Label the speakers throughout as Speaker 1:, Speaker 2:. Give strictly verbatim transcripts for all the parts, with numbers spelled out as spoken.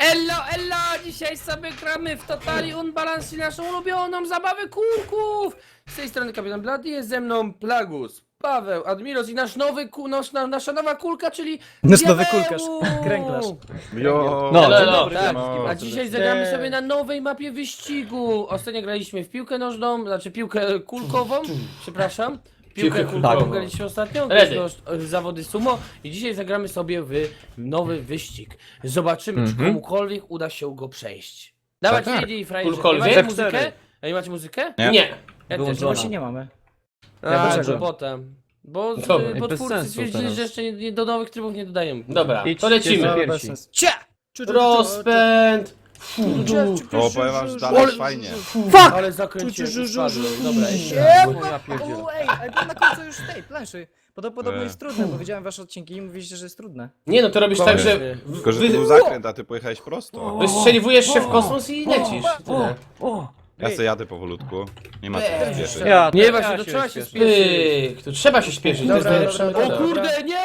Speaker 1: Ello, ello! Dzisiaj sobie gramy w Totali Unbalance, naszą ulubioną zabawę kółków! Z tej strony Kapitan Bloody, jest ze mną Plagus, Paweł, Admiros i nasz nowy ku, nasz, na, nasza nowa kulka, czyli
Speaker 2: Nasz nowy
Speaker 1: Diabeł!
Speaker 2: kulkarz, kręglarz.
Speaker 3: Jo,
Speaker 4: No,
Speaker 1: Elo,
Speaker 4: dzień
Speaker 1: elo,
Speaker 4: dobry,
Speaker 1: tak.
Speaker 4: witam
Speaker 1: A
Speaker 4: wszystkich
Speaker 1: dzisiaj
Speaker 4: bardzo
Speaker 1: zagramy
Speaker 2: serdecznie.
Speaker 1: sobie na nowej mapie wyścigu. Ostatnio graliśmy w piłkę nożną, znaczy piłkę kulkową, przepraszam. Piłkę
Speaker 4: Piłkę
Speaker 1: kulkową
Speaker 4: kulkową.
Speaker 1: graliśmy ostatnio,
Speaker 4: Ready.
Speaker 1: graliśmy o- zawody sumo i dzisiaj zagramy sobie w nowy wyścig. Zobaczymy, czy
Speaker 4: Mhm.
Speaker 1: komukolwiek uda się go przejść. Dawajcie,
Speaker 3: tak.
Speaker 1: jedzie i frajerze.
Speaker 4: Kulkolwiek.
Speaker 1: Macie
Speaker 4: F
Speaker 1: muzykę?
Speaker 4: cztery.
Speaker 1: A nie macie muzykę?
Speaker 3: Nie.
Speaker 4: Nie.
Speaker 1: Ja też
Speaker 4: Wyłączona.
Speaker 2: Właśnie nie mamy.
Speaker 1: A,
Speaker 2: dlaczego?
Speaker 1: to potem. Bo
Speaker 4: Dobra.
Speaker 1: z-
Speaker 4: I
Speaker 1: bo
Speaker 4: bez
Speaker 1: twórcy
Speaker 4: sensu
Speaker 1: stwierdzili,
Speaker 4: teraz.
Speaker 1: że jeszcze nie, nie, do nowych trybów nie dodają.
Speaker 4: Dobra,
Speaker 5: Idź,
Speaker 4: to lecimy.
Speaker 5: idź,
Speaker 2: Dobra,
Speaker 5: pierwsi.
Speaker 2: bez sensu. Cia! Czu, czu, czu,
Speaker 4: Rozpęd.
Speaker 2: czu,
Speaker 3: O,
Speaker 2: czu,
Speaker 3: powiem wam,
Speaker 2: czu,
Speaker 3: że
Speaker 2: czu,
Speaker 3: dalej
Speaker 2: czu,
Speaker 3: fajnie.
Speaker 2: Fuck!
Speaker 1: Ale zakręciłem,
Speaker 2: Czu, czu, czu,
Speaker 1: spadłem.
Speaker 2: czu,
Speaker 1: Dobra,
Speaker 2: czu,
Speaker 1: jeszcze
Speaker 2: czu,
Speaker 1: raz.
Speaker 2: czu,
Speaker 5: Ja pierdzielę.
Speaker 2: O, ej, ale to na końcu już tej planszy. Podobno, podobno
Speaker 3: E.
Speaker 2: jest trudne, bo widziałem wasze odcinki i mówiliście, że jest trudne.
Speaker 4: Nie no, to robisz tak, że w-
Speaker 3: Tylko, że to był
Speaker 4: wy,
Speaker 3: zakręt, a ty pojechałeś prosto.
Speaker 4: wystrzeliwujesz się w kosmos i lecisz. Tyle.
Speaker 3: Ja se jadę powolutku. Nie ma co się spieszyć.
Speaker 5: Ja,
Speaker 1: Nie,
Speaker 5: ja
Speaker 1: właśnie, to
Speaker 5: się
Speaker 1: trzeba się
Speaker 5: śpieszę.
Speaker 1: spieszyć.
Speaker 4: Pyk, tu trzeba się śpieszyć, to jest
Speaker 2: Dobra,
Speaker 4: najlepsza
Speaker 2: dobra,
Speaker 1: O
Speaker 4: metoda.
Speaker 2: dobra.
Speaker 1: kurde, nie!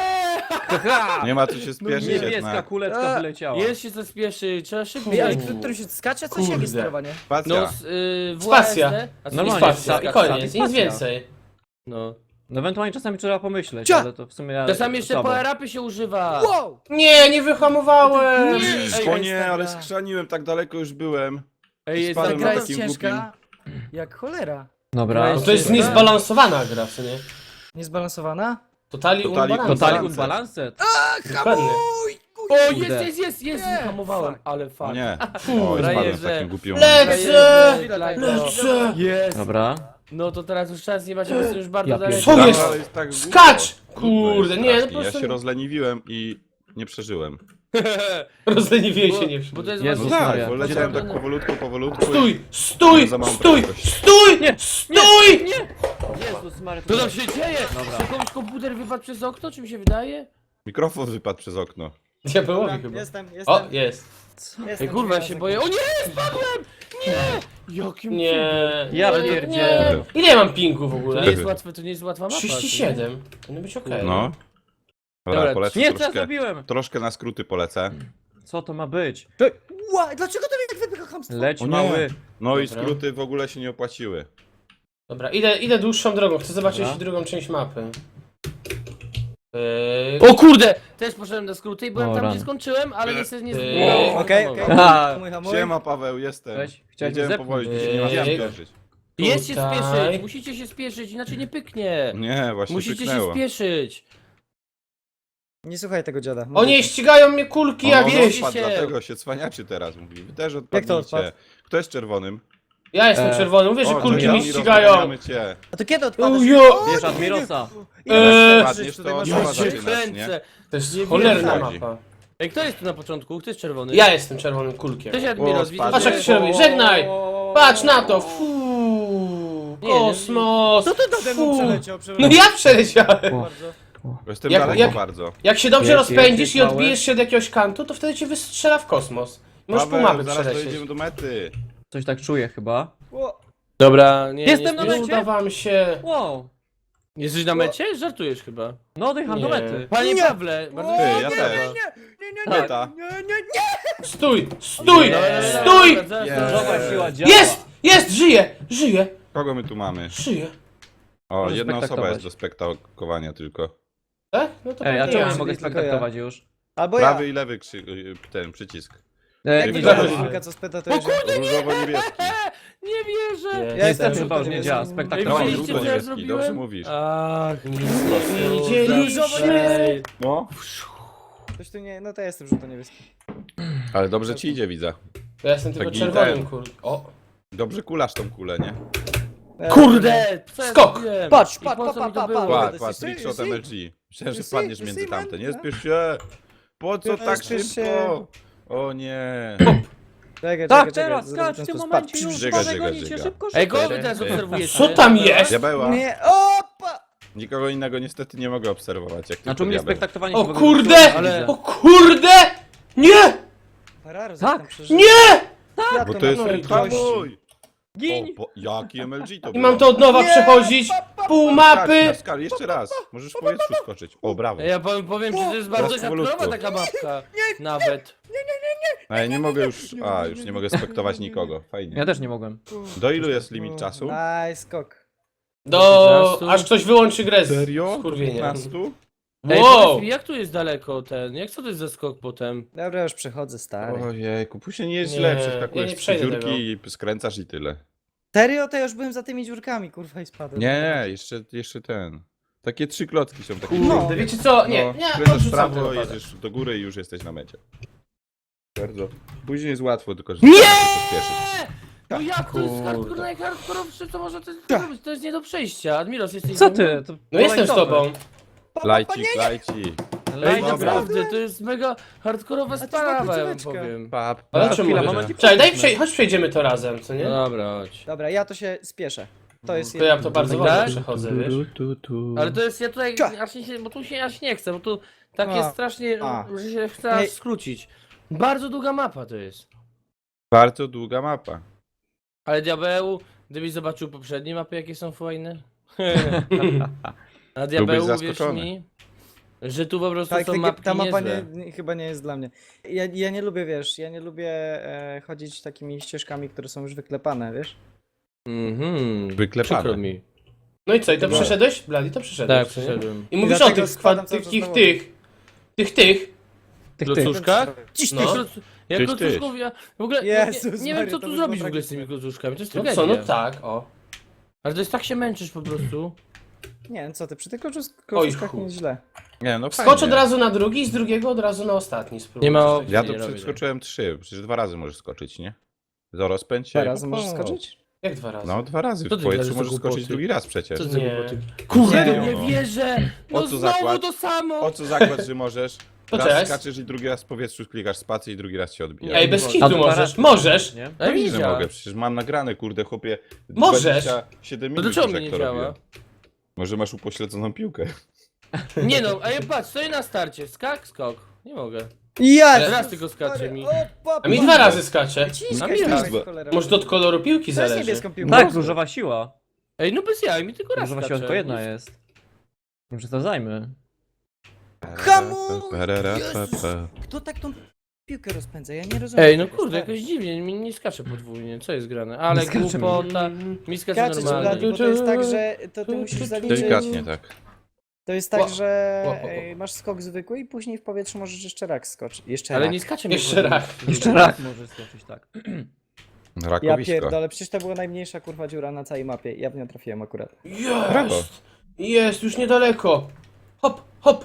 Speaker 3: Nie ma co się spieszyć
Speaker 5: Niebieska
Speaker 3: jednak.
Speaker 5: kuleczka
Speaker 2: A,
Speaker 5: wyleciała.
Speaker 1: Jest się co spieszy, trzeba szybciej.
Speaker 2: Ej, ale którym którym się skacze? Coś jakie
Speaker 4: Kurde.
Speaker 2: sterowanie?
Speaker 1: No,
Speaker 3: Spacja.
Speaker 1: z, y, w
Speaker 4: Spacja.
Speaker 1: U A S D, a co
Speaker 4: I
Speaker 5: Normalnie,
Speaker 4: spacja, i
Speaker 5: sta-
Speaker 4: koniec, nic
Speaker 5: statyzacja.
Speaker 4: więcej.
Speaker 1: No.
Speaker 5: No ewentualnie czasami trzeba pomyśleć,
Speaker 2: Cia!
Speaker 5: ale to w sumie ja...
Speaker 1: Czasami jeszcze
Speaker 5: słabo.
Speaker 1: power-upy się używa.
Speaker 2: Wow!
Speaker 4: Nie, nie wyhamowałem.
Speaker 2: Nie. Ej,
Speaker 3: O
Speaker 2: jest
Speaker 3: nie,
Speaker 2: ta
Speaker 3: ale
Speaker 2: gra.
Speaker 3: skrzaniłem, tak daleko już byłem.
Speaker 1: Ej, jest
Speaker 2: Ta
Speaker 3: Spadłem
Speaker 2: gra
Speaker 3: na
Speaker 2: jest
Speaker 3: takim
Speaker 2: ciężka jak cholera.
Speaker 5: Dobra.
Speaker 4: No to jest niezbalansowana gra, co nie?
Speaker 2: Niezbalansowana?
Speaker 4: Totali
Speaker 3: Totali
Speaker 4: unbalance.
Speaker 5: Totali
Speaker 3: Unbalanced.
Speaker 5: Unbalanced?
Speaker 4: Dokładnie.
Speaker 1: O, jest,
Speaker 5: Kurde.
Speaker 1: jest, jest, jest,
Speaker 2: Nie,
Speaker 1: hamowałem,
Speaker 2: fuck.
Speaker 1: ale
Speaker 3: O
Speaker 1: fakt.
Speaker 3: nie.
Speaker 1: Fuh,
Speaker 3: O, spadłem w
Speaker 1: frajerze.
Speaker 3: takim głupim
Speaker 4: Lecę!
Speaker 2: Lecę!
Speaker 1: Jest.
Speaker 5: Dobra.
Speaker 1: No to teraz już czas nie macie, bo jesteśmy już bardzo
Speaker 5: Ja
Speaker 1: daleko.
Speaker 4: Co
Speaker 3: Tam
Speaker 4: jest?
Speaker 3: dalej tak
Speaker 4: Skacz!
Speaker 3: głupio.
Speaker 4: Kurde,
Speaker 3: Jest
Speaker 4: nie, no
Speaker 3: strasznie.
Speaker 4: po prostu-
Speaker 3: Ja się rozleniwiłem i nie przeżyłem.
Speaker 4: Rozleniwiej się nie
Speaker 1: Bo to jest
Speaker 5: Jezus
Speaker 3: No
Speaker 1: właśnie...
Speaker 3: tak,
Speaker 5: Maria.
Speaker 3: bo leciałem tak powolutku, powolutku.
Speaker 4: Stój! Stój!
Speaker 3: Za małą
Speaker 4: Stój!
Speaker 3: prędkość.
Speaker 4: Stój!
Speaker 5: Nie,
Speaker 4: Stój!
Speaker 5: Jezus Maria.
Speaker 1: Co tam się dzieje?
Speaker 5: Dobra.
Speaker 1: Czy komuś komputer wypadł przez okno, czy mi się wydaje?
Speaker 3: Mikrofon wypadł przez okno.
Speaker 4: Diabełowi chyba.
Speaker 2: Jestem, jestem.
Speaker 4: O, jest.
Speaker 2: jestem
Speaker 1: Ej, kurwa, ja się
Speaker 2: jestem.
Speaker 1: boję. O nie, spadłem! Nie! Jakim
Speaker 4: Nie.
Speaker 5: Ja
Speaker 4: nie,
Speaker 5: pierdzielę.
Speaker 4: nie. Ile ja mam pingu w
Speaker 1: To
Speaker 4: ogóle?
Speaker 1: nie jest łatwe, to nie jest łatwa mapa.
Speaker 4: trzydzieści siedem. Powinno być okej.
Speaker 3: No.
Speaker 1: Dobra,
Speaker 3: Dobra, polecę
Speaker 5: Nie, co ja
Speaker 3: troszkę.
Speaker 5: zrobiłem?
Speaker 3: Troszkę na skróty polecę.
Speaker 5: Co to ma być?
Speaker 2: Ła, dlaczego to mnie tak wypycha chamstwo?
Speaker 5: Leć
Speaker 3: O nie.
Speaker 5: mały.
Speaker 3: No i
Speaker 4: Dobra.
Speaker 3: skróty w ogóle się nie opłaciły.
Speaker 4: Dobra, idę, idę dłuższą drogą, chcę zobaczyć
Speaker 5: Dobra.
Speaker 4: drugą część mapy. Pyk.
Speaker 1: O kurde! Też poszedłem na skróty i byłem
Speaker 5: O,
Speaker 1: tam,
Speaker 5: rany.
Speaker 1: gdzie skończyłem, ale niestety nie
Speaker 4: Eee,
Speaker 1: udało mi się
Speaker 2: Okej,
Speaker 1: hamować.
Speaker 2: okej.
Speaker 5: Aha.
Speaker 2: Hamuj, hamuj.
Speaker 3: Siema Paweł, jestem.
Speaker 5: Cześć. Chciałem
Speaker 3: Jedziemy
Speaker 5: zepchnąć.
Speaker 3: powoli, dzisiaj nie ma
Speaker 4: Eee.
Speaker 3: się spieszyć.
Speaker 1: Jest się
Speaker 4: Tutaj.
Speaker 1: spieszyć, musicie się spieszyć, inaczej nie pyknie.
Speaker 3: Nie, właśnie
Speaker 1: Musicie
Speaker 3: pyknęło.
Speaker 1: się spieszyć.
Speaker 2: Nie słuchaj tego dziada.
Speaker 4: O nie, ścigają mnie kulki
Speaker 3: O,
Speaker 4: jakieś!
Speaker 3: no,
Speaker 1: Jeździ
Speaker 3: odpadł,
Speaker 1: się.
Speaker 3: dlatego się cwaniacie teraz, mówi. Wy też
Speaker 2: Jak to odpadł?
Speaker 3: odpadniecie. Kto jest czerwonym?
Speaker 4: Ja jestem
Speaker 5: E.
Speaker 4: czerwony, mówię, że
Speaker 3: O,
Speaker 4: kulki
Speaker 3: to
Speaker 4: mnie
Speaker 3: ja.
Speaker 4: ścigają!
Speaker 3: Rozmawiamy cię.
Speaker 2: A to kiedy odpadasz?
Speaker 4: Ujo!
Speaker 5: Bierz Admirosa.
Speaker 4: Eee.
Speaker 3: Padniesz, to
Speaker 2: masz
Speaker 3: nowa
Speaker 1: Ja się
Speaker 3: zaczynasz, nie?
Speaker 1: kręcę.
Speaker 4: To jest
Speaker 1: Nie
Speaker 4: cholerna
Speaker 3: wiem.
Speaker 4: mapa.
Speaker 1: Ej, kto jest tu na początku? Kto jest czerwony?
Speaker 4: Ja jestem czerwonym kulkiem.
Speaker 1: Cześć Admiros,
Speaker 3: O,
Speaker 1: widzę,
Speaker 3: spadł.
Speaker 4: Patrz
Speaker 1: że...
Speaker 4: jak się robi, żegnaj! Patrz na to! Fuu,
Speaker 1: Nie, nie.
Speaker 4: kosmos!
Speaker 2: Co ty nade mną
Speaker 4: Fu.
Speaker 2: przeleciał?
Speaker 4: No ja przeleciałem!
Speaker 2: Bardzo.
Speaker 3: Jestem
Speaker 4: Jak-
Speaker 3: daleko
Speaker 4: jak-
Speaker 3: bardzo.
Speaker 4: Jak się dobrze
Speaker 5: Jest,
Speaker 4: rozpędzisz
Speaker 5: jest,
Speaker 4: i
Speaker 5: jest
Speaker 4: odbijesz się od jakiegoś kantu, to wtedy cię wystrzela w kosmos. Możesz pół
Speaker 3: Paweł,
Speaker 4: mapy
Speaker 3: zaraz
Speaker 4: przelecieć.
Speaker 3: dojedziemy do mety.
Speaker 5: Coś tak czuję chyba.
Speaker 2: O,
Speaker 1: Dobra, nie,
Speaker 5: Jestem
Speaker 1: nie,
Speaker 5: na
Speaker 4: Nie
Speaker 1: nie,
Speaker 5: mecie?
Speaker 4: uda wam się.
Speaker 5: Wow.
Speaker 1: Jesteś na mecie? Żartujesz chyba.
Speaker 5: No odjecham do
Speaker 4: Nie.
Speaker 5: mety.
Speaker 1: Panie
Speaker 2: Nie.
Speaker 1: Pawle, bardzo
Speaker 2: O,
Speaker 3: Ty,
Speaker 1: mi
Speaker 3: ja
Speaker 1: się
Speaker 3: też.
Speaker 1: podoba.
Speaker 2: nie, nie,
Speaker 5: Tak.
Speaker 3: Meta.
Speaker 2: nie, nie, nie.
Speaker 4: Stój! Stój!
Speaker 1: Dobra, dobra,
Speaker 4: Stój!
Speaker 1: dobra, zaraz,
Speaker 3: Jest.
Speaker 1: zaraz,
Speaker 5: Nowa
Speaker 1: zaraz.
Speaker 5: siła działa.
Speaker 4: Jest! Jest! Żyje! Żyje!
Speaker 3: Kogo my tu mamy?
Speaker 4: Żyje!
Speaker 3: O,
Speaker 5: Możesz
Speaker 3: jedna osoba
Speaker 5: spektaktować.
Speaker 3: jest do spektakowania tylko.
Speaker 4: Tak? No to
Speaker 5: Ej, a
Speaker 4: pewnie
Speaker 5: czemu
Speaker 4: ja.
Speaker 5: nie mogę
Speaker 2: tylko
Speaker 5: spektaktować już?
Speaker 2: Albo ja.
Speaker 3: Prawy i lewy krzy... y, ten przycisk.
Speaker 5: E,
Speaker 2: Jak
Speaker 5: nie
Speaker 2: wygląda
Speaker 3: widziałem.
Speaker 2: chwilka, co spyta, to
Speaker 1: O
Speaker 2: jedziemy.
Speaker 1: kurde,
Speaker 3: Różowo-niebieski.
Speaker 1: nie wierzę!
Speaker 4: Jest.
Speaker 2: Ja
Speaker 5: Niestety
Speaker 2: jestem
Speaker 5: chyba już nie
Speaker 2: żółty,
Speaker 5: działa.
Speaker 2: jestem-
Speaker 3: No,
Speaker 1: Widzieliście,
Speaker 5: Spektaktowanie.
Speaker 1: co ja
Speaker 3: różowo-niebieski,
Speaker 1: zrobiłem?
Speaker 3: dobrze mówisz.
Speaker 1: Ach, nic
Speaker 4: Nie widzieliście.
Speaker 3: No.
Speaker 2: Coś tu nie, no to ja jestem żółto-niebieski.
Speaker 3: Ale dobrze ci idzie, widzę.
Speaker 4: Ja jestem tylko
Speaker 3: Taki
Speaker 4: czerwonym
Speaker 3: ten.
Speaker 4: kulkiem. O!
Speaker 3: Dobrze kulasz tą kulę, nie?
Speaker 2: E,
Speaker 1: Kurde! Co ja
Speaker 4: Skok.
Speaker 1: zrobiłem?
Speaker 2: Patrz,
Speaker 1: I
Speaker 2: patrz,
Speaker 1: po co
Speaker 2: pa,
Speaker 1: mi to
Speaker 2: pa,
Speaker 1: było?
Speaker 2: pa,
Speaker 3: Kład,
Speaker 2: You
Speaker 3: kład,
Speaker 2: see,
Speaker 3: trickshot
Speaker 2: you see?
Speaker 3: M L G. Myślałem, że
Speaker 2: You see,
Speaker 3: wpadniesz
Speaker 2: you
Speaker 3: między
Speaker 2: see, man?
Speaker 3: tamte. Nie
Speaker 2: No.
Speaker 3: spiesz się! Po co
Speaker 2: Nie
Speaker 3: tak
Speaker 2: spiesz
Speaker 3: szybko?
Speaker 2: się.
Speaker 3: O nie!
Speaker 2: Czekaj,
Speaker 5: Tak,
Speaker 2: czekaj,
Speaker 5: teraz,
Speaker 2: czekaj,
Speaker 5: skacz, w
Speaker 2: zaraz
Speaker 5: tym
Speaker 2: to
Speaker 5: momencie
Speaker 2: spadł.
Speaker 5: już
Speaker 3: Żyga,
Speaker 5: Boże,
Speaker 3: żyga,
Speaker 5: gonicie,
Speaker 3: żyga.
Speaker 5: szybko,
Speaker 1: Ej,
Speaker 5: szybko.
Speaker 1: kogo wy teraz obserwujecie?
Speaker 4: Co tam jest?
Speaker 3: Diabeła.
Speaker 2: Nie, opa!
Speaker 3: Nikogo innego niestety nie mogę obserwować, jak
Speaker 5: Znaczy u
Speaker 3: tylko
Speaker 5: mnie
Speaker 3: diabeł.
Speaker 5: spektaktowanie
Speaker 4: O
Speaker 5: się w ogóle
Speaker 4: kurde!
Speaker 5: nie
Speaker 1: Ale-
Speaker 5: widzę.
Speaker 4: O kurde! Nie!
Speaker 2: Ferrari
Speaker 5: Tak.
Speaker 2: tam przeżył.
Speaker 4: Nie!
Speaker 3: Bo to jest
Speaker 4: No i
Speaker 3: hamuj!
Speaker 5: Gin!
Speaker 3: O, bo, jaki M L G to
Speaker 4: I
Speaker 3: było?
Speaker 4: mam to od nowa przechodzić. Pół
Speaker 3: Skacz,
Speaker 4: mapy.
Speaker 3: na skali, jeszcze raz. Możesz w powietrzu skoczyć. O, brawo.
Speaker 1: Ja powiem, powiem że to jest bardzo
Speaker 3: Teraz powolutku.
Speaker 1: hardkorowa taka mapka. Nawet.
Speaker 3: A ja nie mogę już... A, już nie mogę spektować nikogo. Fajnie.
Speaker 5: Ja też nie mogłem.
Speaker 3: Do ilu jest limit czasu?
Speaker 2: Nice, skok.
Speaker 4: Do...
Speaker 1: piętnastu.
Speaker 4: aż ktoś wyłączy grę z
Speaker 3: Serio?
Speaker 4: skurwienia.
Speaker 3: piętnastu?
Speaker 1: Ej,
Speaker 4: Wow!
Speaker 1: powiedz mi, jak tu jest daleko ten? Jak co to jest za skok potem?
Speaker 2: Dobra, już przechodzę, stary.
Speaker 3: Ojejku, później nie jest
Speaker 4: Nie,
Speaker 3: źle,
Speaker 4: ja
Speaker 3: przeskakujesz
Speaker 4: nie
Speaker 3: trzy
Speaker 4: przejdę
Speaker 3: dziurki i skręcasz i tyle.
Speaker 2: Serio? To ja już byłem za tymi dziurkami, kurwa, i spadłem.
Speaker 3: Nie, nie, jeszcze, jeszcze ten. Takie trzy klocki są takie.
Speaker 2: No.
Speaker 4: Kurde, wiecie co? Nie,
Speaker 3: No,
Speaker 4: nie,
Speaker 3: skręcasz w
Speaker 4: odrzucam
Speaker 3: prawo,
Speaker 4: ten
Speaker 3: jedziesz do góry i już jesteś na mecie. Bardzo. Później jest łatwo, tylko że
Speaker 1: Nie!
Speaker 3: trzeba się pospieszyć.
Speaker 1: No jak to jest
Speaker 4: Kurde.
Speaker 1: hardcore, najhardkorowsze, co można to zrobić? To jest nie do przejścia. Admiros, jesteś
Speaker 5: Co
Speaker 1: ze mną?
Speaker 5: ty? To
Speaker 4: No jestem z tobą.
Speaker 3: Lajcik, lajcik.
Speaker 1: Ej,
Speaker 5: Lajcik,
Speaker 1: naprawdę, to jest mega hardkorowa
Speaker 2: to jest
Speaker 1: sprawa, ja wam
Speaker 2: końcóweczka.
Speaker 1: powiem.
Speaker 3: Pap,
Speaker 4: Ale
Speaker 3: pap.
Speaker 4: czemu
Speaker 5: chwila,
Speaker 4: mówię,
Speaker 5: moment
Speaker 4: że-
Speaker 5: i
Speaker 4: Czekaj, daj
Speaker 5: powiedzmy.
Speaker 4: przej chodź przejdziemy to razem, co nie?
Speaker 1: No dobra, chodź.
Speaker 2: Dobra, ja to się spieszę. To jest
Speaker 4: To ja
Speaker 2: jedno.
Speaker 4: to bardzo
Speaker 1: Tak?
Speaker 4: wolno przechodzę, wiesz?
Speaker 3: Tu, tu.
Speaker 1: Ale to jest, ja tutaj,
Speaker 2: Cia.
Speaker 1: aż nie, się- bo tu się aż nie chcę, bo tu tak
Speaker 2: A.
Speaker 1: jest strasznie,
Speaker 2: A.
Speaker 1: że się chce aż
Speaker 2: Ej.
Speaker 1: skrócić. Bardzo długa mapa to jest.
Speaker 3: Bardzo długa mapa.
Speaker 1: Ale diabeł, gdybyś zobaczył poprzednie mapy, jakie są fajne. A diabeł, wierz
Speaker 3: zaskoczony.
Speaker 1: mi, że tu po prostu
Speaker 2: Tak,
Speaker 1: są
Speaker 2: tak,
Speaker 1: mapki
Speaker 2: ta mapa
Speaker 1: niezłe.
Speaker 2: nie, nie, chyba nie jest dla mnie. Ja, ja nie lubię, wiesz, ja nie lubię e, chodzić takimi ścieżkami, które są już wyklepane, wiesz?
Speaker 1: Mhm,
Speaker 3: Wyklepane.
Speaker 1: przykro mi.
Speaker 4: No i co, i to
Speaker 3: No.
Speaker 4: przeszedłeś? Blady, to przeszedłeś,
Speaker 1: Tak,
Speaker 4: co nie?
Speaker 1: przyszedłem.
Speaker 4: I mówisz o
Speaker 2: dlatego
Speaker 4: tych,
Speaker 2: składam
Speaker 4: skład,
Speaker 2: cały
Speaker 4: tych,
Speaker 2: czas
Speaker 4: tych,
Speaker 2: na
Speaker 4: tych, tych, tych.
Speaker 5: Tych, tych.
Speaker 1: Klocuszkach?
Speaker 2: Ciś,
Speaker 1: No.
Speaker 2: ciś.
Speaker 1: Kloc- Ja
Speaker 3: Tyś,
Speaker 1: klocuszków, ja w ogóle nie,
Speaker 2: Jezus
Speaker 1: nie wiem
Speaker 2: Maria,
Speaker 1: co
Speaker 2: to
Speaker 1: tu
Speaker 2: by
Speaker 1: zrobić w
Speaker 2: było
Speaker 1: ogóle z tymi
Speaker 2: tragiczne.
Speaker 1: klocuszkami, to jest
Speaker 4: No
Speaker 1: tragedia.
Speaker 4: co, no tak, o.
Speaker 1: Ale to jest tak się męczysz po prostu.
Speaker 2: Nie wiem, co ty, przy tych koczusz-
Speaker 4: Oj,
Speaker 2: koczuszkach
Speaker 4: chuj.
Speaker 2: nie jest źle.
Speaker 3: Nie, no
Speaker 4: Skocz
Speaker 3: fajnie.
Speaker 4: od razu na drugi, z drugiego od razu na ostatni, spróbuj.
Speaker 1: Nie ma
Speaker 4: coś
Speaker 1: opcji.
Speaker 3: Ja
Speaker 4: takiego.
Speaker 3: to
Speaker 1: Nie robię
Speaker 3: przeskoczyłem trzy, przecież dwa razy możesz skoczyć, nie? Do rozpędź się.
Speaker 2: Dwa razy możesz
Speaker 3: O.
Speaker 2: skoczyć?
Speaker 4: Jak dwa razy?
Speaker 3: No, dwa razy
Speaker 1: Co
Speaker 3: w
Speaker 1: ty
Speaker 3: powietrzu
Speaker 1: gadasz,
Speaker 3: możesz
Speaker 1: to
Speaker 3: skoczyć
Speaker 1: głupoty?
Speaker 3: drugi raz przecież.
Speaker 1: Co ty
Speaker 4: Nie.
Speaker 1: głupoty?
Speaker 3: Kurde,
Speaker 1: Kurde,
Speaker 3: no.
Speaker 1: nie wierzę! No
Speaker 3: O co
Speaker 1: znowu
Speaker 3: zakład?
Speaker 1: to samo!
Speaker 3: O co zakład, że możesz?
Speaker 4: To
Speaker 3: Raz
Speaker 4: cześć.
Speaker 3: skaczesz i drugi raz w powietrzu klikasz spację i drugi raz cię odbija.
Speaker 4: Ej, bez
Speaker 1: A
Speaker 4: kitu
Speaker 5: dwa
Speaker 4: możesz,
Speaker 5: razy.
Speaker 4: możesz!
Speaker 5: Nie?
Speaker 1: Ja
Speaker 3: Pewnie, że
Speaker 1: widziałem.
Speaker 3: mogę, przecież mam nagrane, kurde, chłopie.
Speaker 4: Możesz.
Speaker 3: dwadzieścia siedem
Speaker 1: To
Speaker 3: minut
Speaker 1: dlaczego
Speaker 3: już,
Speaker 1: mnie
Speaker 3: jak
Speaker 1: nie
Speaker 3: to
Speaker 1: działa?
Speaker 3: robię. Może masz upośledzoną piłkę.
Speaker 1: Nie no, a ja patrz, stoję na starcie, skak, skok. Nie mogę.
Speaker 2: Ja!
Speaker 1: Raz tylko skacze mi.
Speaker 4: A mi dwa razy skacze.
Speaker 1: A mi raz.
Speaker 4: Może to od koloru piłki
Speaker 2: To jest
Speaker 4: zależy.
Speaker 2: niebieską piłką.
Speaker 5: Tak, różowa siła.
Speaker 1: Ej, no bez jaj, mi tylko raz
Speaker 5: Różowa
Speaker 1: skacze.
Speaker 5: siła tylko jedna jest. Nie przesadzajmy.
Speaker 2: Hamu!
Speaker 3: Parara, pa,
Speaker 2: Jezus!
Speaker 3: pa.
Speaker 2: Kto tak tą piłkę rozpędza? Ja nie rozumiem.
Speaker 1: Ej, no
Speaker 2: tego,
Speaker 1: kurde,
Speaker 2: stary.
Speaker 1: jakoś dziwnie, mi nie skacze podwójnie, co jest grane? Ale
Speaker 5: Nie skacze mi.
Speaker 1: głupota, mi skacze
Speaker 2: Skaczeć,
Speaker 1: normalnie.
Speaker 2: Blady, bo to jest tak, że to ty musisz zaliczyć...
Speaker 3: Delikatnie, tak.
Speaker 2: To jest tak,
Speaker 4: Ła-
Speaker 2: że
Speaker 4: ła- ła- ła.
Speaker 2: e, masz skok zwykły i później w powietrzu możesz jeszcze raz skoczyć. Jeszcze
Speaker 1: Ale
Speaker 2: raz.
Speaker 1: nie skacze mi
Speaker 4: Jeszcze
Speaker 1: podwójnie.
Speaker 4: raz.
Speaker 5: Jeszcze raz możesz skoczyć, tak.
Speaker 2: Ja
Speaker 3: Rakowisko.
Speaker 2: pierdolę, przecież to była najmniejsza kurwa dziura na całej mapie. Ja w nią trafiłem akurat.
Speaker 3: Brawo.
Speaker 4: Jest! Jest, już niedaleko. Hop, hop.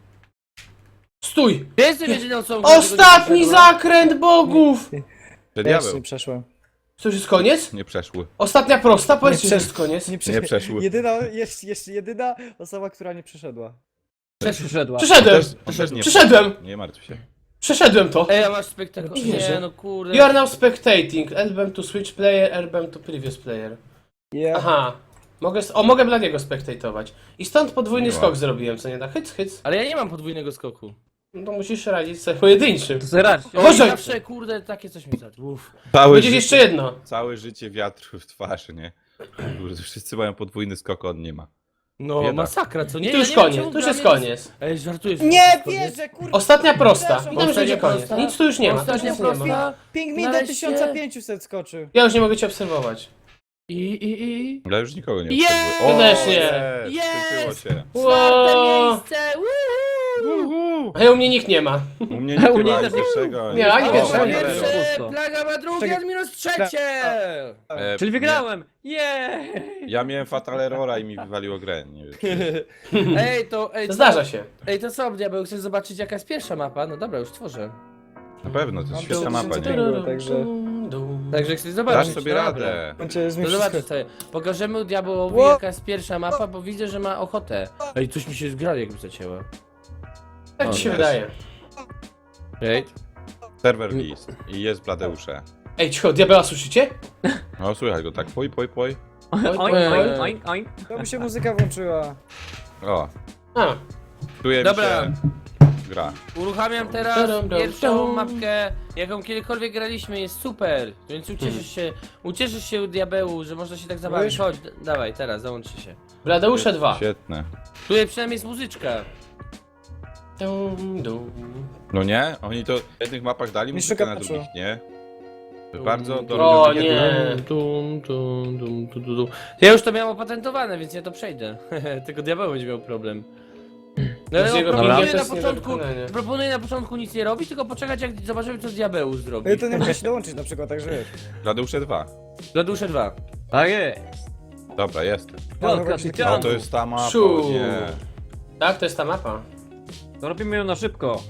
Speaker 4: Stój!
Speaker 1: Ja jestem jedyną osobą,
Speaker 4: Ostatni zakręt bogów!
Speaker 3: Że
Speaker 2: Ja jeszcze
Speaker 3: diabeł.
Speaker 2: nie przeszłem.
Speaker 4: To już jest koniec?
Speaker 3: Nie przeszły.
Speaker 4: Ostatnia prosta? Powiedzcie, że
Speaker 2: przesz-
Speaker 4: jest koniec.
Speaker 2: Nie, prze...
Speaker 3: Nie przeszły.
Speaker 2: Jedyna, jeszcze, jeszcze jedyna osoba, która nie przeszedła.
Speaker 5: Przeszedła.
Speaker 4: Przeszedłem!
Speaker 3: Też, on też nie,
Speaker 4: Przeszedłem!
Speaker 3: nie martw się.
Speaker 4: Przeszedłem to!
Speaker 1: Ej, a masz spektakl.
Speaker 4: Nie wierzę.
Speaker 1: Nie, no kurde.
Speaker 4: You are now spectating. Album to switch player, album to previous player.
Speaker 2: Yeah.
Speaker 4: Aha. Mogę, s- o, mogę Bladiego spectatować. I stąd podwójny
Speaker 3: Miło.
Speaker 4: skok zrobiłem, co nie da? Hyc, hyc.
Speaker 1: Ale ja nie mam podwójnego skoku.
Speaker 4: No to musisz radzić sobie pojedynczym.
Speaker 5: To sobie radź.
Speaker 4: O, Boże!
Speaker 1: Zawsze, kurde, takie coś mi zadł. Uff.
Speaker 3: Całe
Speaker 4: Będzie
Speaker 3: życie,
Speaker 4: jeszcze jedno.
Speaker 3: całe życie wiatr w twarz, nie? Kurde, wszyscy mają podwójny skok, on nie ma.
Speaker 1: No,
Speaker 3: Bieda.
Speaker 1: masakra, co nie?
Speaker 4: I tu
Speaker 1: Ja
Speaker 4: już
Speaker 1: nie wiem,
Speaker 4: koniec,
Speaker 1: czemu
Speaker 4: tu już
Speaker 1: dla
Speaker 4: jest
Speaker 1: mnie
Speaker 4: koniec.
Speaker 1: Ej, żartujesz.
Speaker 2: Nie
Speaker 1: to jest
Speaker 2: wierzę, kurwa!
Speaker 4: Ostatnia prosta. I tam już
Speaker 1: Ostatnia
Speaker 4: będzie koniec.
Speaker 1: prosta.
Speaker 4: Nic tu już nie ma, tu już
Speaker 1: Ostatnia
Speaker 4: nic nie ma.
Speaker 1: prosta.
Speaker 2: Ping mi do
Speaker 1: Nareszcie.
Speaker 2: tysiąc pięćset skoczył.
Speaker 4: Ja już nie mogę cię obserwować.
Speaker 1: I, i, i.
Speaker 3: Ja już nikogo nie
Speaker 1: Jest!
Speaker 3: obserwuję. O,
Speaker 4: Też nie.
Speaker 3: jest! Skończyło
Speaker 1: Jest!
Speaker 3: się.
Speaker 1: Czwarte
Speaker 4: Wow.
Speaker 1: miejsce! Woohoo!
Speaker 3: Uhu.
Speaker 4: A ja u mnie nikt nie ma.
Speaker 3: U mnie nie
Speaker 5: U mnie
Speaker 3: ma
Speaker 5: też nie.
Speaker 3: pierwszego.
Speaker 4: Nie, ani
Speaker 3: O,
Speaker 4: pierwszego,
Speaker 1: Plaga
Speaker 4: ani
Speaker 3: Valero.
Speaker 4: pierwszego.
Speaker 1: pierwsze,
Speaker 5: Pusto.
Speaker 1: Plaga ma drugie,
Speaker 2: Czekaj.
Speaker 1: Admiros trzecie!
Speaker 3: E,
Speaker 5: Czyli
Speaker 3: nie,
Speaker 5: wygrałem! Jej!
Speaker 3: Ja miałem Fatal Errora i mi wywaliło grę. Nie wiem, czy...
Speaker 1: Ej, to, ej, to,
Speaker 4: Zdarza się.
Speaker 1: Ej, to co, diabeł, chcesz zobaczyć jaka jest pierwsza mapa? No dobra, już tworzę.
Speaker 3: Na pewno, to jest
Speaker 2: Mam
Speaker 3: świetna mapa,
Speaker 2: tysiące
Speaker 3: nie?
Speaker 2: pięćset. Także-
Speaker 1: Także chcesz
Speaker 3: Dasz
Speaker 1: zobaczyć.
Speaker 3: sobie
Speaker 1: dobra.
Speaker 3: radę.
Speaker 2: Znaczy, jest mi
Speaker 1: No
Speaker 2: wszystko...
Speaker 1: zobaczcie sobie, pokażemy diabełowi
Speaker 2: Ło-
Speaker 1: jaka jest pierwsza mapa, bo widzę, że ma ochotę. Ej, coś mi się zgra jakby zacięło.
Speaker 4: Tak ci się
Speaker 3: jest.
Speaker 4: wydaje.
Speaker 1: Ej,
Speaker 3: Serwer list. I jest Bladeusze.
Speaker 4: Ej, cicho, diabeła słyszycie?
Speaker 3: No słychać go tak, poj, poj, poj.
Speaker 5: Oink, oink, oink, oink.
Speaker 2: To mi się muzyka włączyła.
Speaker 3: O,
Speaker 4: A,
Speaker 3: czuje mi
Speaker 1: Dobra.
Speaker 3: się gra.
Speaker 1: Uruchamiam teraz
Speaker 4: Dum, dum,
Speaker 1: pierwszą
Speaker 4: dum.
Speaker 1: mapkę, jaką kiedykolwiek graliśmy, jest super. Więc ucieszysz się, ucieszysz się diabełu, że można się tak zabawić.
Speaker 2: Wiesz?
Speaker 1: Chodź, d- dawaj, teraz załączcie się.
Speaker 4: Bladeusze dwa.
Speaker 3: Świetne.
Speaker 1: Tutaj przynajmniej jest muzyczka.
Speaker 4: Dum, dum.
Speaker 3: No nie? Oni to w jednych mapach dali muzykę,
Speaker 2: szuka
Speaker 3: na
Speaker 2: paczu.
Speaker 3: drugich nie. Bardzo
Speaker 4: O
Speaker 3: dorobione
Speaker 4: nie.
Speaker 3: gier.
Speaker 1: Dum, dum, dum, dum, dum, dum. Ja już to miałem opatentowane, więc ja to przejdę. Tylko diabeł będzie miał problem. No ale
Speaker 4: Z jego
Speaker 1: proponuję
Speaker 4: pingiem to
Speaker 1: na
Speaker 4: jest nie do
Speaker 1: początku,
Speaker 4: wykonania.
Speaker 1: proponuję na początku nic nie robić, tylko poczekać jak zobaczymy co diabeł zrobi.
Speaker 2: Ej, to nie muszę się dołączyć na przykład, także wiesz.
Speaker 3: Bladeusze dwa.
Speaker 1: Bladusze dwa.
Speaker 5: Tak jest.
Speaker 3: Dobra, jestem.
Speaker 2: No,
Speaker 5: Wielka
Speaker 2: chodź,
Speaker 5: tycianku.
Speaker 3: O, to jest ta mapa,
Speaker 4: Szu.
Speaker 3: o nie.
Speaker 4: Tak, to jest ta mapa.
Speaker 5: To robimy ją na szybko.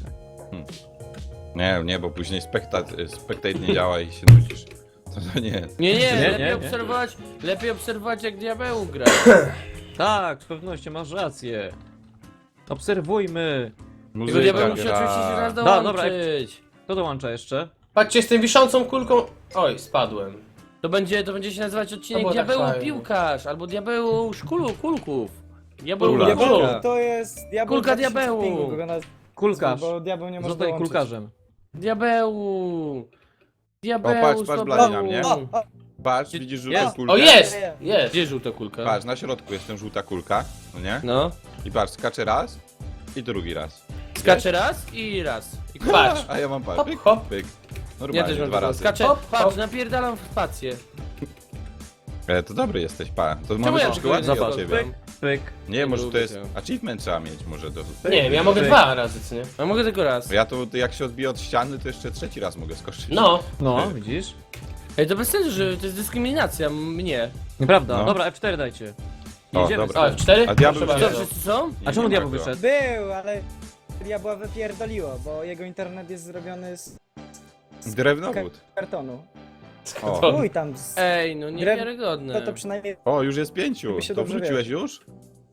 Speaker 3: Nie, nie, bo później spektat, spectate nie działa i się nudzisz. To, to nie.
Speaker 1: Nie, nie,
Speaker 5: Nie,
Speaker 1: lepiej
Speaker 5: nie, nie.
Speaker 1: obserwować, lepiej obserwować jak diabeł gra.
Speaker 5: Tak, z pewnością masz rację. Obserwujmy.
Speaker 1: Tylko diabeł
Speaker 3: Muzyka
Speaker 1: musi
Speaker 3: gra.
Speaker 1: oczywiście się raz
Speaker 5: Da, dobra,
Speaker 1: dołączyć.
Speaker 5: Kto dołącza jeszcze?
Speaker 4: Patrzcie, z tą wiszącą kulką... Oj, spadłem.
Speaker 1: To będzie, to będzie się nazywać odcinek
Speaker 4: To było tak
Speaker 1: diabeł
Speaker 4: fajnie.
Speaker 1: piłkarz, albo diabeł szkulu, kulków. Diabeł
Speaker 3: Kula.
Speaker 2: Diabeł
Speaker 1: kulka.
Speaker 2: to jest diabeł
Speaker 1: Kulka
Speaker 2: dwa tysiące
Speaker 1: diabełu.
Speaker 2: pingu, go nazwę,
Speaker 5: Kulkarz.
Speaker 2: Bo diabeł nie może
Speaker 5: Zostań
Speaker 2: dołączyć.
Speaker 5: kulkarzem.
Speaker 1: Diabeł. Diabeł.
Speaker 3: O, patrz, patrz,
Speaker 1: z
Speaker 3: Blady na mnie.
Speaker 1: tobą.
Speaker 2: O, o,
Speaker 3: Patrz, widzisz żółtą
Speaker 1: Jest.
Speaker 3: kulkę?
Speaker 4: O, jest! Jest.
Speaker 1: Gdzie żółta kulka?
Speaker 3: Patrz, na środku jest ta żółta kulka, no nie?
Speaker 1: No.
Speaker 3: I patrz, skacze raz i drugi raz.
Speaker 1: Skacze raz i raz. I ko-
Speaker 4: Patrz.
Speaker 3: A ja mam patrz,
Speaker 4: Hop,
Speaker 3: pyk,
Speaker 4: hop.
Speaker 3: pyk.
Speaker 1: Ja
Speaker 3: Normalnie,
Speaker 1: też mam
Speaker 3: dwa
Speaker 1: taką.
Speaker 3: razy.
Speaker 1: Skaczę,
Speaker 4: Hop,
Speaker 1: patrz,
Speaker 4: hop.
Speaker 1: napierdalam w spację.
Speaker 3: E, to dobry jesteś, pa. To
Speaker 1: Czemu
Speaker 3: mamy
Speaker 1: ja
Speaker 3: troszkę
Speaker 1: tego
Speaker 3: łatwiej
Speaker 1: nie
Speaker 3: od
Speaker 1: zrobię?
Speaker 3: ciebie.
Speaker 5: Pyk.
Speaker 3: Nie, może
Speaker 1: lubię
Speaker 3: to jest...
Speaker 1: tego.
Speaker 3: Achievement trzeba mieć, może do...
Speaker 4: Nie wiem, ja mogę
Speaker 5: Pyk.
Speaker 4: dwa razy, co nie?
Speaker 1: A mogę tylko raz.
Speaker 3: Ja to jak się odbiję od ściany, to jeszcze trzeci raz mogę skoczyć.
Speaker 4: No.
Speaker 5: No, widzisz?
Speaker 1: Ej, to bez sensu, że to jest dyskryminacja mnie.
Speaker 5: Nieprawda.
Speaker 3: No.
Speaker 5: Dobra, F cztery dajcie.
Speaker 3: O,
Speaker 5: Jedziemy
Speaker 3: dobra.
Speaker 4: O,
Speaker 5: stąd.
Speaker 4: F cztery?
Speaker 3: A diabeł
Speaker 4: Proszę
Speaker 3: gdzie?
Speaker 1: Co,
Speaker 4: bardzo.
Speaker 1: wszyscy są?
Speaker 3: Nie,
Speaker 5: A czemu
Speaker 3: nie
Speaker 5: diabeł
Speaker 3: ma go.
Speaker 5: wyszedł?
Speaker 2: był, ale diabła wypierdoliło, bo jego internet jest zrobiony z
Speaker 3: Drewnowód.
Speaker 2: kartonu.
Speaker 3: O.
Speaker 4: To-
Speaker 2: Chuj tam, z...
Speaker 1: Ej, no
Speaker 2: Drew-
Speaker 1: niewiarygodne.
Speaker 2: to, to przynajmniej
Speaker 3: O, już jest pięciu.
Speaker 2: Żeby się
Speaker 3: To
Speaker 2: dobrze
Speaker 3: wróciłeś już?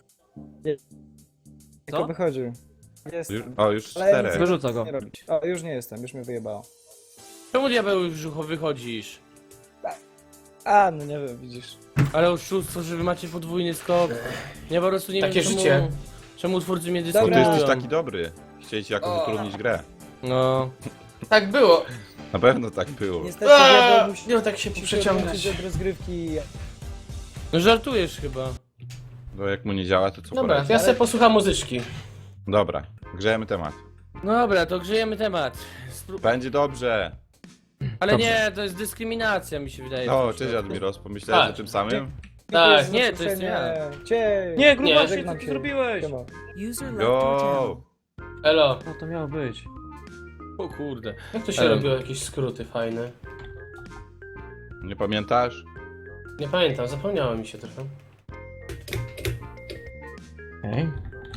Speaker 2: tylko wychodził. Jest.
Speaker 3: już? O, już
Speaker 2: Ale
Speaker 3: czterech.
Speaker 2: nic
Speaker 5: Wyrzuca go.
Speaker 2: nie robić. O, już nie jestem, już mnie wyjebało.
Speaker 1: Czemu diabeł już brzucho wychodzisz?
Speaker 2: A, no nie wiem, widzisz.
Speaker 1: Ale oszustwo, że wy macie podwójny skok. Ja po prostu nie
Speaker 4: Takie
Speaker 1: wiem czemu,
Speaker 4: życie.
Speaker 1: czemu twórcy mnie
Speaker 3: O, ty
Speaker 2: Dobra.
Speaker 1: dyskryminują.
Speaker 3: jesteś taki dobry. Chcieli ci jakoś utrudnić grę.
Speaker 1: No.
Speaker 4: Tak było.
Speaker 3: Na pewno tak było.
Speaker 2: Niestety
Speaker 4: Eee,
Speaker 2: diabeł musi
Speaker 4: Nie no, tak się
Speaker 2: musi
Speaker 4: przeciągać.
Speaker 2: się od rozgrywki.
Speaker 1: No żartujesz chyba.
Speaker 3: Bo jak mu nie działa, to co
Speaker 4: Dobra,
Speaker 3: poradzić?
Speaker 4: ja sobie posłucham muzyczki.
Speaker 3: Dobra, grzejemy temat.
Speaker 1: No dobra, to grzejemy temat. Spró-
Speaker 3: Będzie dobrze.
Speaker 1: Ale
Speaker 5: Dobrze.
Speaker 1: nie, to jest dyskryminacja mi się wydaje.
Speaker 3: O,
Speaker 1: w tym
Speaker 3: cześć
Speaker 1: przypadku.
Speaker 3: Admiros, pomyślałeś
Speaker 4: Tak.
Speaker 3: o tym samym?
Speaker 4: Tak.
Speaker 1: Nie, to jest ja.
Speaker 2: Cię.
Speaker 5: Nie, grubasie, co
Speaker 2: żegnam
Speaker 5: ty
Speaker 2: się.
Speaker 5: zrobiłeś?
Speaker 2: Siema.
Speaker 6: User left your channel.
Speaker 3: Go!
Speaker 4: Elo.
Speaker 5: Co to miało być?
Speaker 1: O kurde.
Speaker 4: Jak to się
Speaker 1: Elo.
Speaker 4: robiło jakieś skróty fajne?
Speaker 3: Nie pamiętasz?
Speaker 4: Nie pamiętam, zapomniało mi się trochę.
Speaker 5: Ej.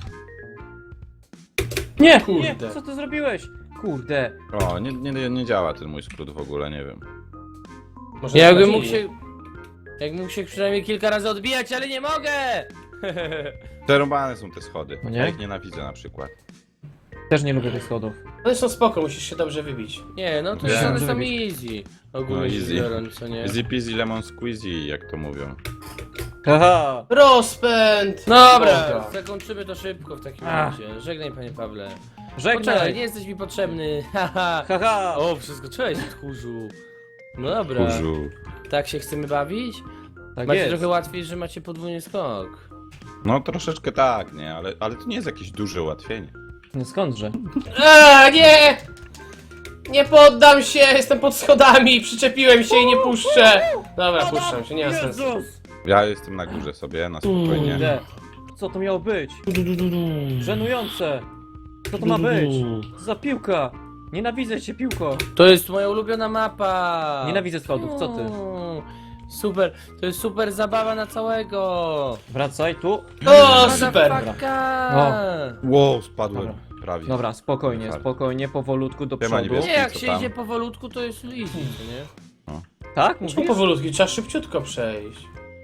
Speaker 5: Nie,
Speaker 4: Kurde.
Speaker 5: nie, co ty zrobiłeś? Kurde.
Speaker 3: O, nie, nie, nie działa ten mój skrót w ogóle, nie wiem.
Speaker 4: Może
Speaker 1: Jakbym
Speaker 4: sprawdzili.
Speaker 1: mógł się... Jakbym mógł się przynajmniej kilka razy odbijać, ale nie mogę!
Speaker 3: Przerąbane są te schody.
Speaker 5: No nie?
Speaker 3: Ja ich nienawidzę na przykład.
Speaker 5: Też nie lubię tych schodów.
Speaker 4: One są spoko, musisz się dobrze wybić.
Speaker 1: Nie, no to
Speaker 3: Nie.
Speaker 1: jest one są
Speaker 5: Zrobić.
Speaker 1: easy. Ogólnie
Speaker 3: No,
Speaker 1: rzecz
Speaker 3: easy.
Speaker 1: biorąc, co nie?
Speaker 3: Easy peasy lemon squeezy, jak to mówią.
Speaker 5: Haha.
Speaker 4: Rozpęd!
Speaker 1: Dobra,
Speaker 4: Boga.
Speaker 1: zakończymy to szybko w takim
Speaker 5: Ach.
Speaker 1: razie. Żegnaj panie Pawle. Poczekaj,
Speaker 5: Żegnaj.
Speaker 1: nie jesteś mi potrzebny. Haha.
Speaker 5: Haha.
Speaker 1: O, przeskoczyłeś, tchórzu. No dobra.
Speaker 3: Kurzu.
Speaker 1: Tak się chcemy bawić?
Speaker 5: Tak
Speaker 1: Macie
Speaker 5: jest.
Speaker 1: trochę łatwiej, że macie podwójny skok.
Speaker 3: No troszeczkę tak, nie? Ale, ale to nie jest jakieś duże ułatwienie.
Speaker 5: No skądże?
Speaker 4: A, nie! Nie poddam się, jestem pod schodami, przyczepiłem się i nie puszczę. Dobra, puszczam się, nie ma sensu.
Speaker 5: Jezus!
Speaker 3: Ja jestem na górze sobie, na spokojnie.
Speaker 5: Kurde. Co to miało być? Żenujące. Co to ma być? Co za piłka? Nienawidzę cię, piłko.
Speaker 1: To jest moja ulubiona mapa.
Speaker 5: Nienawidzę schodów, co ty?
Speaker 1: Mm, Super, to jest super zabawa na całego.
Speaker 5: Wracaj tu.
Speaker 4: O, super!
Speaker 1: Motherfucker.
Speaker 3: Wow, spadłem.
Speaker 5: Dobra.
Speaker 3: Prawie.
Speaker 5: Dobra, spokojnie,
Speaker 3: Fart.
Speaker 5: spokojnie, powolutku do
Speaker 3: Siema,
Speaker 5: przodu.
Speaker 3: niebieski.
Speaker 1: Nie, jak
Speaker 3: Co
Speaker 1: się
Speaker 3: tam?
Speaker 1: idzie powolutku, to jest easy, co nie?
Speaker 5: Tak?
Speaker 4: Czemu
Speaker 5: Mówisz?
Speaker 4: powolutki? Trzeba szybciutko przejść.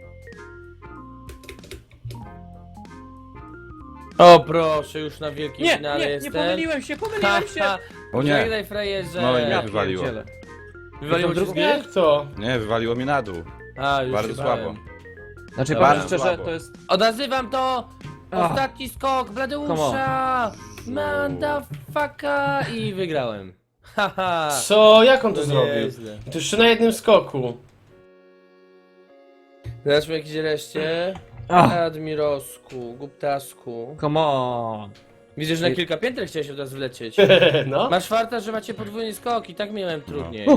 Speaker 1: O proszę, już na wielkim
Speaker 5: Nie,
Speaker 1: finale
Speaker 5: nie, nie
Speaker 1: jestem.
Speaker 5: pomyliłem się, pomyliłem się!
Speaker 3: O nie.
Speaker 1: Żegnaj frajerze.
Speaker 3: No i mnie
Speaker 5: Ja
Speaker 3: wywaliło.
Speaker 5: pierdzielę.
Speaker 1: Wywaliło cię z gry?
Speaker 4: Jak to?
Speaker 3: Nie, wywaliło mnie na dół.
Speaker 1: A, już
Speaker 3: Bardzo
Speaker 1: się
Speaker 3: słabo.
Speaker 1: bałem.
Speaker 5: Znaczy,
Speaker 1: Dobra.
Speaker 5: powiem szczerze,
Speaker 3: Słabo.
Speaker 5: to jest...
Speaker 1: Odnazywam to!
Speaker 5: Ach.
Speaker 1: Ostatni skok Bladeusza! Mandafaka i wygrałem. Haha.
Speaker 4: Co? Jak on to
Speaker 1: No
Speaker 4: zrobił?
Speaker 1: nieźle.
Speaker 4: I to jeszcze na jednym skoku.
Speaker 1: Zobaczmy jakieś reszcie.
Speaker 5: Ach,
Speaker 1: Admirosku, Guptasku.
Speaker 5: come on.
Speaker 1: Widzę, że na kilka pięter chciałeś od razu wlecieć.
Speaker 4: No.
Speaker 1: Masz farta, że macie podwójny skok i tak miałem trudniej.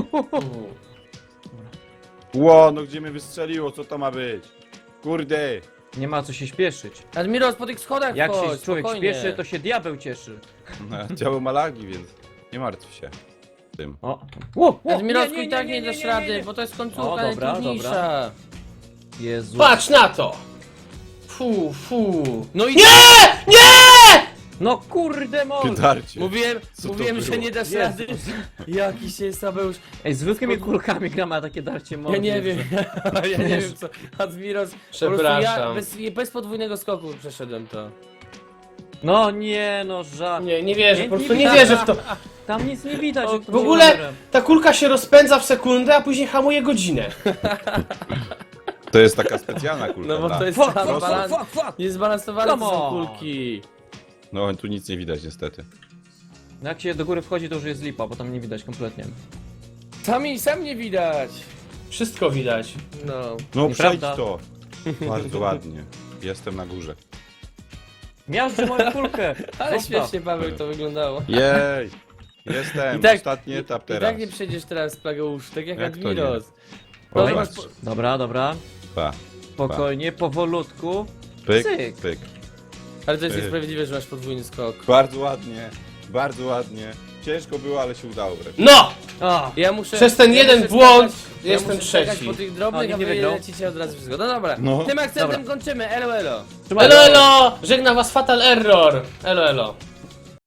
Speaker 3: Ło, no gdzie mnie wystrzeliło, co to ma być? Kurde!
Speaker 5: Nie ma co się śpieszyć.
Speaker 1: Admiros, po tych schodach
Speaker 5: Jak się
Speaker 1: chodź,
Speaker 5: człowiek
Speaker 1: spokojnie.
Speaker 5: śpieszy, to się diabeł cieszy.
Speaker 3: Działo malagi, więc nie martw się tym.
Speaker 5: O. Ło, ło,
Speaker 1: Admirosku,
Speaker 5: nie, nie,
Speaker 1: i tak
Speaker 5: nie,
Speaker 1: nie,
Speaker 5: nie,
Speaker 1: dasz
Speaker 5: nie, nie,
Speaker 1: rady,
Speaker 5: nie.
Speaker 1: bo to jest końcówka
Speaker 5: O, dobra,
Speaker 1: najtrudniejsza.
Speaker 5: Jezu.
Speaker 4: Patrz na to! Fu, fu.
Speaker 1: No i
Speaker 4: Nie! Nie!
Speaker 5: No kurde mol.
Speaker 3: Darcie.
Speaker 1: mówiłem,
Speaker 3: Co to
Speaker 1: mówiłem, że
Speaker 3: było?
Speaker 1: nie dasz
Speaker 5: Jezu.
Speaker 1: rady. Jaki się Sabeusz.
Speaker 5: Ej, zwykłymi kulkami gram, a takie darcie
Speaker 1: Ja
Speaker 5: mordy.
Speaker 1: nie wiem, ja nie wiem co. Admiros, po prostu ja
Speaker 4: Przepraszam.
Speaker 1: bez, bez podwójnego skoku przeszedłem to.
Speaker 5: No nie, no żart.
Speaker 4: Nie, nie wierzę,
Speaker 5: Nie,
Speaker 4: po prostu
Speaker 5: nie
Speaker 4: nie
Speaker 5: widać.
Speaker 4: wierzę w to.
Speaker 5: Tam nic nie widać.
Speaker 1: O,
Speaker 5: jak
Speaker 4: W ogóle
Speaker 5: kamerem.
Speaker 4: ta kulka się rozpędza w sekundę, a później hamuje godzinę.
Speaker 3: To jest taka specjalna kulka,
Speaker 1: No bo
Speaker 3: dla-
Speaker 1: to jest
Speaker 5: Fuck,
Speaker 1: tam
Speaker 5: fuck, fuck,
Speaker 1: balans,
Speaker 5: fuck, fuck.
Speaker 1: niezbalansowane
Speaker 5: Come
Speaker 1: to są
Speaker 5: on.
Speaker 1: kulki.
Speaker 3: No tu nic nie widać niestety.
Speaker 5: No jak się do góry wchodzi, to już jest lipa, bo tam nie widać kompletnie.
Speaker 1: Sami, sam nie widać.
Speaker 4: Wszystko widać.
Speaker 1: No.
Speaker 3: No przejdź
Speaker 5: Nieprawda.
Speaker 3: to. Bardzo ładnie. Jestem na górze.
Speaker 5: Miażdży moją kulkę.
Speaker 1: Ale
Speaker 5: Zostaw.
Speaker 1: śmiesznie, Paweł, to wyglądało.
Speaker 3: Jej! Jestem,
Speaker 1: I tak-
Speaker 3: ostatni etap
Speaker 1: I
Speaker 3: teraz.
Speaker 1: tak nie przejdziesz teraz Plageusz, tak jak,
Speaker 3: Jak to
Speaker 1: Admiros.
Speaker 3: O,
Speaker 1: No,
Speaker 3: patrz.
Speaker 5: Dobra, dobra.
Speaker 3: Pa,
Speaker 5: Spokojnie, powolutku.
Speaker 3: pyk,
Speaker 5: Cyk.
Speaker 3: pyk.
Speaker 1: ale to jest
Speaker 3: Ej.
Speaker 1: niesprawiedliwe, że masz podwójny skok.
Speaker 3: Bardzo ładnie, bardzo ładnie. Ciężko było, ale się udało wreszcie.
Speaker 4: No!
Speaker 5: A,
Speaker 1: Ja muszę...
Speaker 4: Przez ten
Speaker 1: ja
Speaker 4: jeden
Speaker 1: muszę
Speaker 4: błąd
Speaker 1: skakać-
Speaker 4: jestem
Speaker 1: ja muszę skakać
Speaker 4: trzeci.
Speaker 1: po tych
Speaker 5: O,
Speaker 1: drobnych,
Speaker 5: nikt
Speaker 1: a
Speaker 5: nie
Speaker 1: wy
Speaker 5: wygrał.
Speaker 1: lecicie od razu wszystko. No dobra,
Speaker 3: No.
Speaker 1: tym akcentem
Speaker 5: Dobra.
Speaker 1: kończymy, elo elo.
Speaker 5: trzymaj.
Speaker 4: Elo, elo! Żegna was Fatal Error! Elo, elo.